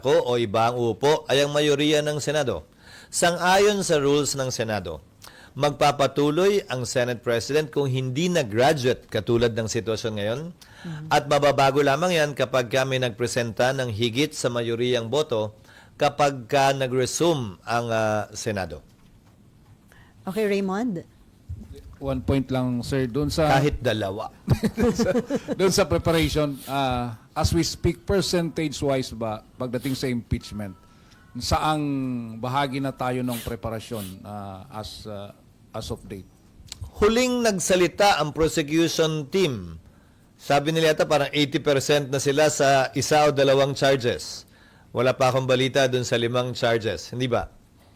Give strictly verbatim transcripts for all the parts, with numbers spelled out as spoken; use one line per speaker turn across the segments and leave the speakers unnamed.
ko o iba ang upo ay ang mayoriya ng Senado. Sang-ayon sa rules ng Senado, magpapatuloy ang Senate President kung hindi na-graduate katulad ng sitwasyon ngayon at mababago lamang yan kapag kami nagpresenta ng higit sa mayoriyang boto kapag ka nag-resume ang uh, Senado.
Okay, Raymond?
One point lang, sir. Doon sa
Kahit dalawa.
doon sa preparation, uh, as we speak, percentage-wise ba, pagdating sa impeachment, saang bahagi na tayo ng preparasyon uh, as uh, as of date?
Huling nagsalita ang prosecution team. Sabi nila yata parang eighty percent na sila sa isa o dalawang charges. Wala pa akong balita dun sa limang charges. Hindi ba?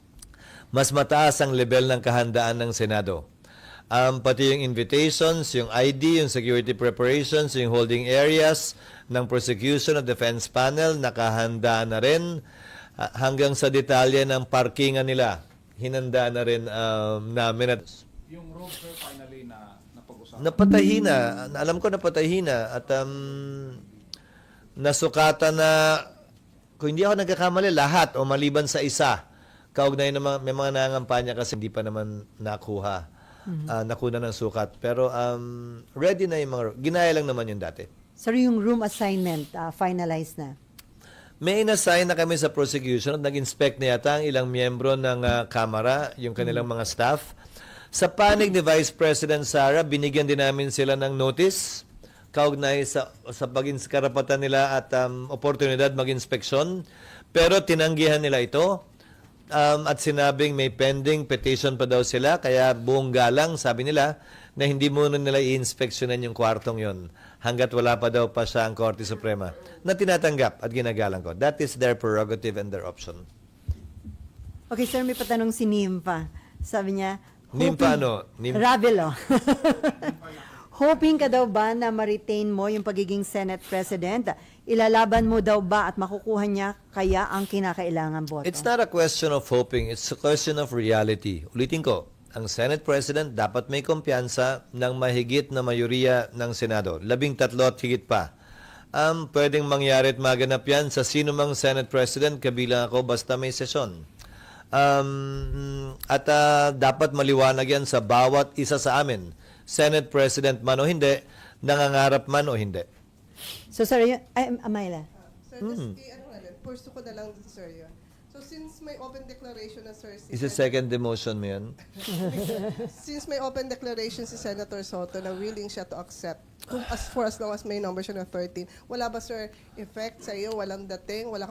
Mas mataas ang level ng kahandaan ng Senado. Um, pati yung invitations, yung I D, yung security preparations, yung holding areas ng prosecution at defense panel, nakahanda na rin. Uh, hanggang sa detalye ng parkingan nila, hinanda na rin um, namin. At
Yung road, sir, finally na napag-usapan.
napatahi na. Alam ko napatahi na. At um, nasukatan na, kung hindi ako nagkakamali, lahat o maliban sa isa. Kaugnay na mga, may mga nangangampanya kasi hindi pa naman nakuha. Mm-hmm. Uh, nakuna ng sukat. Pero um, ready na yung mga, ginaya lang naman yung dati.
Sir, yung room assignment, uh, finalized na.
May inassign na kami sa prosecution at nag-inspect na yata ang ilang miyembro ng uh, Kamara, yung kanilang mga staff. Sa panig ni Vice President Sara, binigyan din namin sila ng notice kaugnay sa, sa pag-ins karapatan nila at um, oportunidad mag-inspeksyon. Pero tinanggihan nila ito. Um, at sinabing may pending petition pa daw sila, kaya buong galang, sabi nila, na hindi muna nila i-inspeksyonan yung kwartong yon hanggat wala pa daw pa siya ang Korte Suprema na tinatanggap at ginagalang ko. That is their prerogative and their option.
Okay, sir, may patanong si Nimpa. Sabi niya,
Nimpa ano? Nim-
Ravelo. Hoping ka daw ba na ma-retain mo yung pagiging Senate President? Ilalaban mo daw ba at makukuha niya kaya ang kinakailangan boto?
It's not a question of hoping, it's a question of reality. Ulitin ko, ang Senate President dapat may kumpiyansa ng mahigit na mayoriya ng Senado. Labing tatlo at higit pa. Um, pwedeng mangyari at maganap yan sa sino mang Senate President, kabilang ako, basta may sesyon. Um, at uh, dapat maliwanag yan sa bawat isa sa amin. Senate President man o hindi, nangangarap man o hindi.
So, sir, yun, ay, Amayla.
Sir, just i- ano nga lang, purso ko na lang, sir, yun. So, since may open declaration na, sir, si
Is a second demotion mo yan?
since may open declaration si Senator Soto na willing siya to accept, kung as for as long as may number siya na thirteen, wala ba, sir, effect sa iyo? Walang dating? Wala